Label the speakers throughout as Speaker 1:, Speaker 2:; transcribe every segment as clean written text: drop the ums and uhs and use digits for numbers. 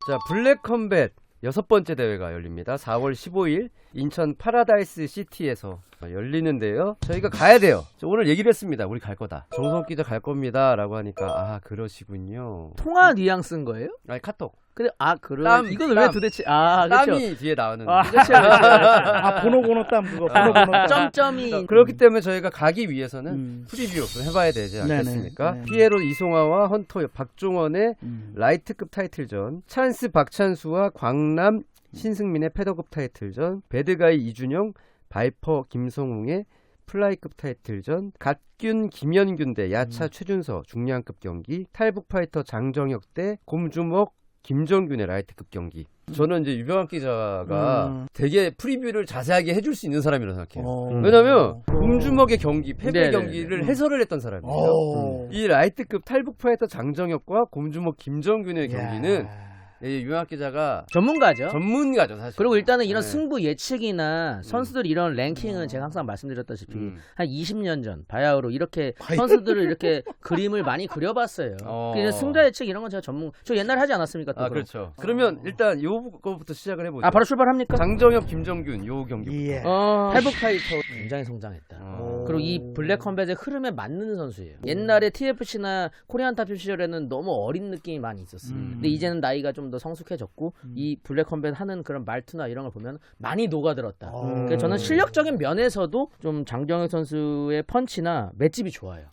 Speaker 1: 자, 블랙 컴뱃 6번째 대회가 열립니다. 4월 15일 인천 파라다이스 시티에서 열리는데요. 저희가 가야 돼요. 오늘 얘기를 했습니다. 우리 갈 거다. 정성욱 기자 갈 겁니다. 라고 하니까 아 그러시군요.
Speaker 2: 통화 뉘앙스인 거예요?
Speaker 1: 아니 카톡.
Speaker 2: 근데 그래.
Speaker 1: 땀,
Speaker 2: 이건
Speaker 1: 땀.
Speaker 2: 왜 도대체 그렇죠.
Speaker 1: 땀이 뒤에 나오는.
Speaker 2: 그렇죠.
Speaker 3: 번호 땀 그거 번호 땀.
Speaker 2: 점점이
Speaker 1: 그렇기 때문에 저희가 가기 위해서는 프리뷰 좀 해봐야 되지 않겠습니까?
Speaker 3: 네네.
Speaker 1: 피에로 이송아와 헌터 박종원의 라이트급 타이틀전, 찬스 박찬수와 광남 신승민의 패더급 타이틀전, 배드가이 이준영, 바이퍼 김성웅의 플라이급 타이틀전, 갓균 김현균 대 야차 최준서 중량급 경기, 탈북 파이터 장정혁 대 곰주먹 김정균의 라이트급 경기. 저는 이제 유병학 기자가 되게 프리뷰를 자세하게 해줄 수 있는 사람이라고 생각해요. 왜냐면 곰주먹의 경기, 패배
Speaker 2: 네네네.
Speaker 1: 경기를 해설을 했던 사람이에요. 이 라이트급 탈북 파이터 장정혁과 곰주먹 김정균의 경기는 유병학 기자가
Speaker 2: 전문가죠.
Speaker 1: 전문가죠 사실.
Speaker 2: 그리고 일단은 이런
Speaker 1: 네.
Speaker 2: 승부 예측이나 선수들 이런 랭킹은 제가 항상 말씀드렸다시피 한 20년 전 바야흐로 이렇게 선수들을 이렇게 그림을 많이 그려봤어요. 그래서 승자 예측 이런 건 제가 저 옛날에 하지 않았습니까? 또
Speaker 1: 그렇죠. 그러면 일단 요거부터 시작을 해보죠.
Speaker 2: 바로 출발합니까?
Speaker 1: 장정혁, 김정균 요 경기부터.
Speaker 2: 탈북 파이터 굉장히 성장했다. 그리고 이 블랙 컴뱃의 흐름에 맞는 선수예요. 옛날에 TFC나 코리안 탑 시절에는 너무 어린 느낌이 많이 있었어요. 근데 이제는 나이가 좀 더 성숙해졌고 이 블랙 컴뱃 하는 그런 말투나 이런 걸 보면 많이 녹아들었다. 그래서 저는 실력적인 면에서도 좀 장정혁 선수의 펀치나 맷집이 좋아요.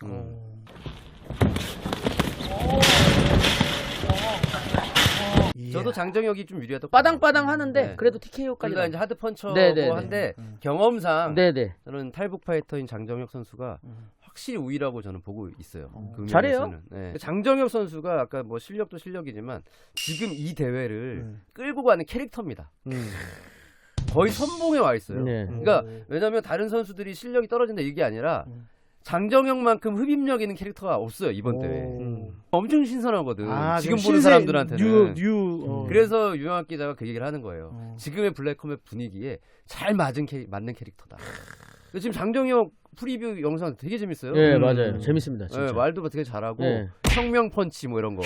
Speaker 1: 저도 장정혁이 좀 유리하다.
Speaker 2: 빠당빠당 하는데
Speaker 1: 네.
Speaker 2: 그래도 TKO까지.
Speaker 1: 그러니까 이제 하드 펀처고
Speaker 2: 네네네.
Speaker 1: 한데 경험상
Speaker 2: 네네.
Speaker 1: 저는 탈북 파이터인 장정혁 선수가 확실히 우위라고 저는 보고 있어요. 그
Speaker 2: 잘해요.
Speaker 1: 면에서는. 네. 장정혁 선수가 아까 뭐 실력도 실력이지만 지금 이 대회를 끌고 가는 캐릭터입니다. 거의 선봉에 와 있어요.
Speaker 2: 네.
Speaker 1: 그러니까 왜냐면 다른 선수들이 실력이 떨어진다 이게 아니라 장정혁만큼 흡입력 있는 캐릭터가 없어요 이번 대회. 엄청 신선하거든. 지금 보는 사람들한테는. 그래서 유영학 기자가 그 얘기를 하는 거예요. 지금의 블랙컴뱃 분위기에 잘 맞는 캐릭터다. 지금 장정혁 프리뷰 영상 되게 재밌어요.
Speaker 2: 네 맞아요. 재밌습니다. 진짜.
Speaker 1: 네, 말도 되게 잘하고
Speaker 2: 네.
Speaker 1: 혁명 펀치 뭐 이런 거.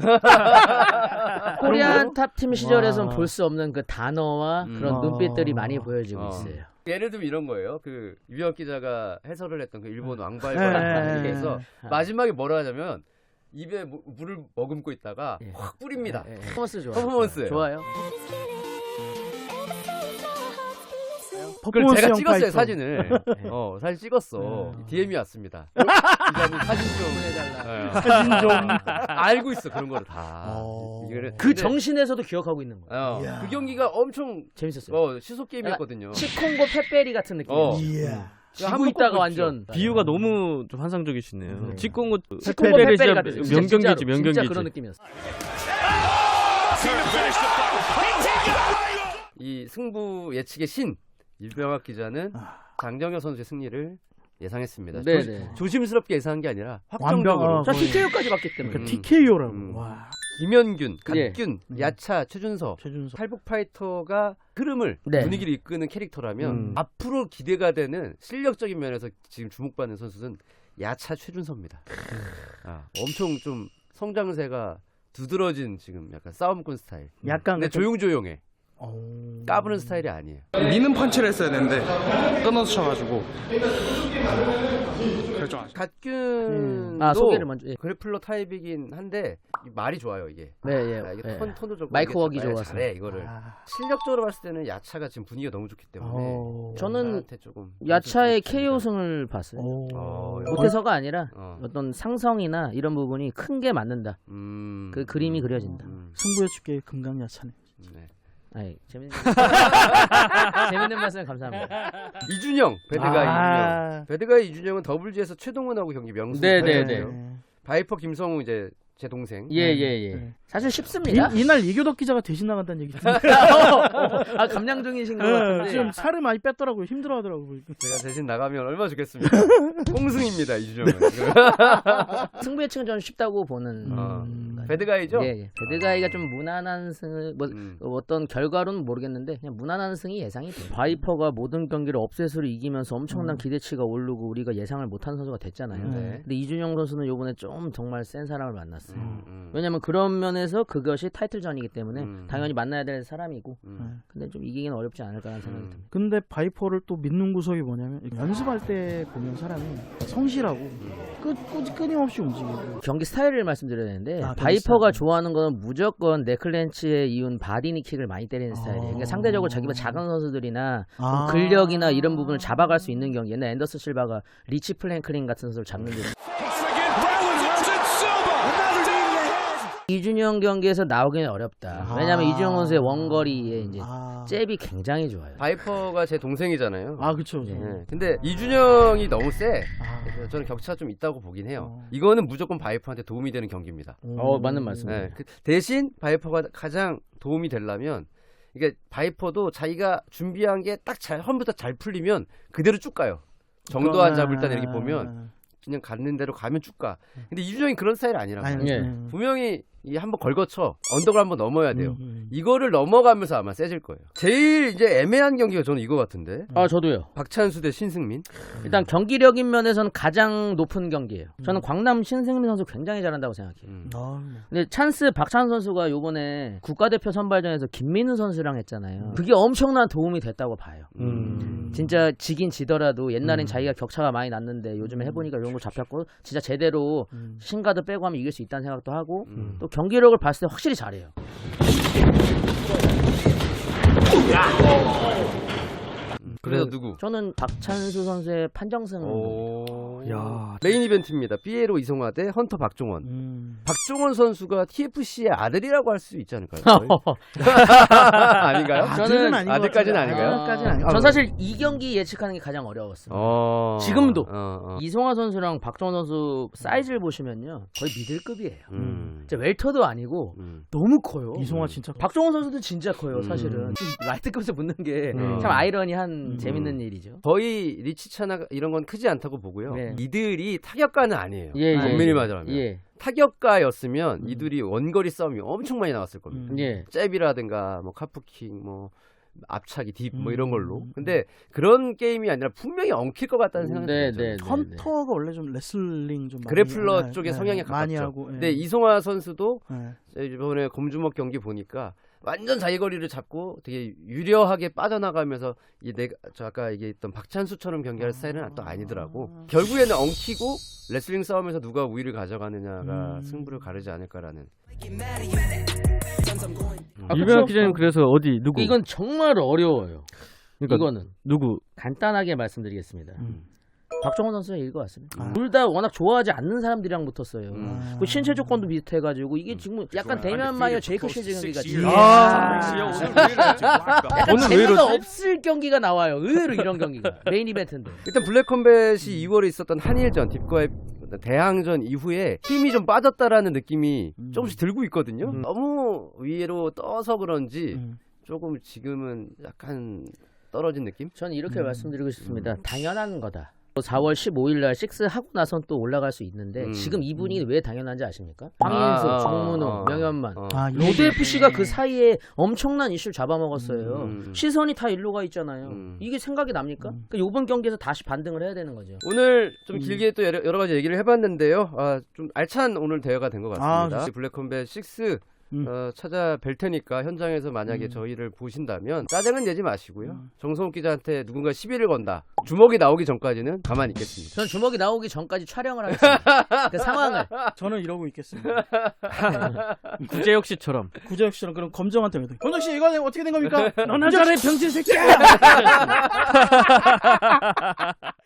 Speaker 2: 코리안 탑팀 시절에서는 볼 수 없는 그 단어와 그런 눈빛들이 많이 보여지고 있어요.
Speaker 1: 예를 들면 이런 거예요. 그 유병학 기자가 해설을 했던 그 일본 왕발과 얘기해서 마지막에 뭐라 하냐면 입에 물을 머금고 있다가 확 뿌립니다.
Speaker 2: 퍼포먼스 좋아요.
Speaker 1: 퍼포먼스예요.
Speaker 2: 좋아요.
Speaker 1: 그걸 제가 찍었어요 사진을. 사진 찍었어. DM이 왔습니다. 기자님 사진 좀 해달라. 사진 좀 알고 있어 그런 거를 다.
Speaker 2: 그 정신에서도 기억하고 있는 거예요.
Speaker 1: 그 경기가 엄청
Speaker 2: 재밌었어요.
Speaker 1: 시속 게임이었거든요.
Speaker 2: 치콩고 페페리 같은 느낌이에요. 지고 있다가 완전
Speaker 4: 비유가 너무 좀 환상적이시네요. 치콩고
Speaker 2: 치콩고
Speaker 4: 페페리
Speaker 2: 페페리
Speaker 4: 진짜
Speaker 2: 같은
Speaker 4: 명경기지
Speaker 2: 진짜
Speaker 4: 명경기지.
Speaker 2: 그런 느낌이었어.
Speaker 1: 이 승부 예측의 신 유병학 기자는 장정혁 선수의 승리를 예상했습니다.
Speaker 2: 네네.
Speaker 1: 조심스럽게 예상한 게 아니라 확정적으로.
Speaker 2: 자 TKO까지 봤기 때문에.
Speaker 3: TKO라고. 와.
Speaker 1: 김현균, 갓균, 야차, 최준서,
Speaker 3: 최준서.
Speaker 1: 탈북 파이터가 흐름을 분위기를 이끄는 캐릭터라면 앞으로 기대가 되는 실력적인 면에서 지금 주목받는 선수는 야차 최준서입니다. 엄청 좀 성장세가 두드러진 지금 약간 싸움꾼 스타일.
Speaker 3: 약간
Speaker 1: 근데 조용조용해. 까부는 스타일이 아니에요.
Speaker 5: 미는 펀치를 했어야 되는데 끊어서 쳐가지고 결정하죠.
Speaker 1: 갓균도
Speaker 2: 소개를 먼저.
Speaker 1: 그래플러 타입이긴 한데 말이 좋아요 이게.
Speaker 2: 네,
Speaker 1: 이게 톤도 좋고
Speaker 2: 마이크
Speaker 1: 이게
Speaker 2: 웍이
Speaker 1: 좀
Speaker 2: 좋아서.
Speaker 1: 잘해 이거를. 실력적으로 봤을 때는 야차가 지금 분위기가 너무 좋기 때문에
Speaker 2: 저는
Speaker 1: 나한테 조금
Speaker 2: 야차의
Speaker 1: 좀
Speaker 2: KO승을 봤어요. 못해서가 아니라 어떤 상성이나 이런 부분이 큰 게 맞는다. 그 그림이 그려진다.
Speaker 3: 승부의 축계 금강야차네.
Speaker 1: 네.
Speaker 2: 아이, 재밌는 말씀 감사합니다.
Speaker 1: 이준영 배드가이 배드가이 이준영은 더블지에서 최동훈하고 경기 명승.
Speaker 2: 네네네.
Speaker 1: 바이퍼 김성우 이제 제 동생.
Speaker 2: 예. 사실 쉽습니다.
Speaker 3: 이날 이교덕 기자가 대신 나간다는 얘기 듣는데.
Speaker 2: 감량 중이신 것 같은데.
Speaker 3: 지금 살을 많이 뺐더라고요. 힘들어하더라고요.
Speaker 1: 제가 대신 나가면 얼마나 좋겠습니까? 꽁승입니다 이준영은.
Speaker 2: 승부 예측은 저는 쉽다고 보는.
Speaker 1: 배드가이죠?
Speaker 2: 예. 배드가이가 좀 무난한 승을 어떤 결과로는 모르겠는데 그냥 무난한 승이 예상이 돼요. 바이퍼가 모든 경기를 업셋으로 이기면서 엄청난 기대치가 오르고 우리가 예상을 못한 선수가 됐잖아요. 근데 이준영 선수는 이번에 좀 정말 센 사람을 만났어요. 왜냐면 그런 면에서 그것이 타이틀전이기 때문에 당연히 만나야 될 사람이고
Speaker 1: 음.
Speaker 2: 근데 좀 이기기는 어렵지 않을까라는 생각이 듭니다.
Speaker 3: 근데 바이퍼를 또 믿는 구석이 뭐냐면 연습할 때 보면 사람이 성실하고 끊임없이 움직이고
Speaker 2: 경기 스타일을 말씀드려야 되는데
Speaker 3: 경기
Speaker 2: 바이퍼가
Speaker 3: 스타일.
Speaker 2: 좋아하는 건 무조건 네클렌치에 이은 바디니킥을 많이 때리는 스타일이에요. 그러니까 상대적으로 자기보다 작은 선수들이나 좀 근력이나 이런 부분을 잡아갈 수 있는 경기. 옛날 앤더슨 실바가 리치 플랭클린 같은 선수를 잡는 게 이준영 경기에서 나오기는 어렵다. 왜냐하면 이준영 선수의 원거리에 이제 잽이 굉장히 좋아요.
Speaker 1: 바이퍼가 제 동생이잖아요.
Speaker 3: 그쵸.
Speaker 1: 네. 근데 이준영이 너무 세. 그래서 저는 격차가 좀 있다고 보긴 해요. 이거는 무조건 바이퍼한테 도움이 되는 경기입니다.
Speaker 2: 맞는 말씀이에요.
Speaker 1: 네. 대신 바이퍼가 가장 도움이 되려면 이게 바이퍼도 자기가 준비한 게 딱 처음부터 잘 풀리면 그대로 쭉 가요. 정도 안 잡을 때 이렇게 보면 그냥 가는 대로 가면 쭉 가. 근데 이준영이 그런 스타일이 아니라고.
Speaker 2: 예.
Speaker 1: 분명히 이 한번 걸거쳐 언덕을 한번 넘어야 돼요. 이거를 넘어가면서 아마 세질 거예요. 제일 이제 애매한 경기가 저는 이거 같은데.
Speaker 2: 저도요.
Speaker 1: 박찬수 대 신승민.
Speaker 2: 일단 경기력인 면에서는 가장 높은 경기예요. 저는 광남 신승민 선수 굉장히 잘한다고 생각해요. 근데 찬스 박찬수 선수가 요번에 국가대표 선발전에서 김민우 선수랑 했잖아요. 그게 엄청난 도움이 됐다고 봐요. 진짜 지긴 지더라도 옛날엔 자기가 격차가 많이 났는데 요즘에 해보니까 이런 거 잡혔고 진짜 제대로 신가드 빼고 하면 이길 수 있다는 생각도 하고 또 경기력을 봤을 때 확실히 잘해요.
Speaker 1: 그래서 누구?
Speaker 2: 저는 박찬수 선수의 판정승.
Speaker 1: 야, 메인 이벤트입니다. 피에로 이성화 대 헌터 박종원. 박종원 선수가 TFC의 아들이라고 할 수 있지 않을까요? 아닌가요?
Speaker 3: 아들은 아닌 것
Speaker 1: 아들까지는
Speaker 3: 같은데.
Speaker 1: 아닌가요?
Speaker 3: 아들까지는 아닌 것
Speaker 2: 전 사실 이 경기 예측하는 게 가장 어려웠어요. 지금도. 이성화 선수랑 박종원 선수 사이즈를 보시면요 거의 미들급이에요. 진짜 웰터도 아니고 너무 커요.
Speaker 3: 이송화 진짜
Speaker 2: 박종원 선수도 진짜 커요. 사실은 좀 라이트급에서 붙는 게 참 아이러니한 재밌는 일이죠.
Speaker 1: 거의 리치차나 이런 건 크지 않다고 보고요.
Speaker 2: 네.
Speaker 1: 이들이 타격가는 아니에요.
Speaker 2: 예,
Speaker 1: 엄밀히 말하면.
Speaker 2: 예.
Speaker 1: 타격가였으면 이들이 원거리 싸움이 엄청 많이 나왔을 겁니다.
Speaker 2: 예.
Speaker 1: 잽이라든가 뭐 카프킹 뭐 앞차기 딥 뭐 이런 걸로. 근데 그런 게임이 아니라 분명히 엉킬 것 같다는 생각이
Speaker 2: 네,
Speaker 1: 들어요.
Speaker 2: 네, 네.
Speaker 3: 헌터가 원래 좀 레슬링 좀 많이
Speaker 1: 그래플러 쪽의 성향이
Speaker 3: 많이
Speaker 1: 가깝죠.
Speaker 3: 하고.
Speaker 1: 근데 이송화 선수도
Speaker 3: 예.
Speaker 1: 이번에 검주먹 경기 보니까 완전 자기 거리를 잡고 되게 유려하게 빠져나가면서 저 아까 얘기했던 박찬수처럼 경기할 스타일은 또 아니더라고. 결국에는 엉키고 레슬링 싸움에서 누가 우위를 가져가느냐가 승부를 가르지 않을까라는.
Speaker 4: 이병학 기자님 그래서 어디 누구?
Speaker 2: 이건 정말 어려워요.
Speaker 4: 그러니까
Speaker 2: 이거는
Speaker 4: 누구?
Speaker 2: 간단하게 말씀드리겠습니다. 박종원 선수가 이길 것 같습니다. 둘 다 워낙 좋아하지 않는 사람들이랑 붙었어요. 그 신체 조건도 비슷해가지고 이게 지금 약간 데미안 마이어 제이크 실즈 경기 같이 약간
Speaker 4: 오늘 왜
Speaker 2: 재미가
Speaker 4: 이러지?
Speaker 2: 없을 경기가 나와요. 의외로 이런 경기가 메인 이벤트인데.
Speaker 1: 일단 블랙컴뱃이 2월에 있었던 한일전 딥과의 대항전 이후에 힘이 좀 빠졌다라는 느낌이 조금씩 들고 있거든요. 너무 위로 떠서 그런지 조금 지금은 약간 떨어진 느낌?
Speaker 2: 저는 이렇게 말씀드리고 싶습니다. 당연한 거다. 4월 15일 날 6 하고 나선 또 올라갈 수 있는데 지금 이분이 왜 당연한지 아십니까? 황인수, 정문호, 명현만. 로드 FC가 그 사이에 엄청난 이슈를 잡아먹었어요. 시선이 다 일로 가 있잖아요. 이게 생각이 납니까? 그러니까 이번 경기에서 다시 반등을 해야 되는 거죠.
Speaker 1: 오늘 좀 길게 또 여러 가지 얘기를 해봤는데요. 좀 알찬 오늘 대회가 된 것 같습니다. 블랙컴뱃 6 찾아뵐 테니까 현장에서 만약에 저희를 보신다면 짜증은 내지 마시고요. 정성욱 기자한테 누군가 시비를 건다. 주먹이 나오기 전까지는 가만히 있겠습니다.
Speaker 2: 전 주먹이 나오기 전까지 촬영을 하겠습니다. 그 상황을.
Speaker 3: 저는 이러고 있겠습니다.
Speaker 4: 구재혁 씨처럼.
Speaker 3: 구재혁 씨랑 그럼 검정한테 왜? 검정 씨 이거 어떻게 된 겁니까? 너나 잘해 병신 새끼야.